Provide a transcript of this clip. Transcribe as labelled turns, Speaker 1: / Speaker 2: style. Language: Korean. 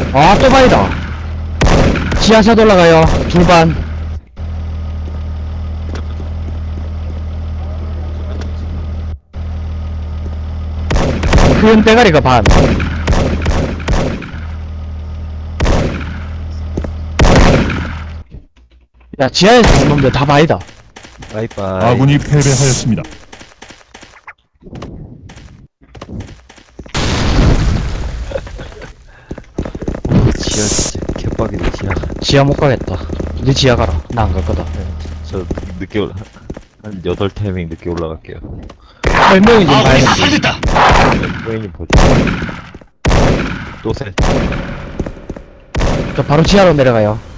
Speaker 1: 아, 또 바이다. 지하차 올라가요. 둘반. 큰 대가리가 반. 야, 지하에서 본 놈들 다 바이다.
Speaker 2: 바이바이.
Speaker 3: 아군이 패배하였습니다.
Speaker 2: 지하 진짜 개빡이네, 지하.
Speaker 1: 지하 못 가겠다. 니 지하 가라. 나 안 갈 거다.
Speaker 2: 저 늦게 한 8타이밍 늦게 올라갈게요.
Speaker 1: 설명이 좀 봐야 돼.
Speaker 2: 고객님 보죠. 또 셋.
Speaker 1: 저 바로 지하로 내려가요.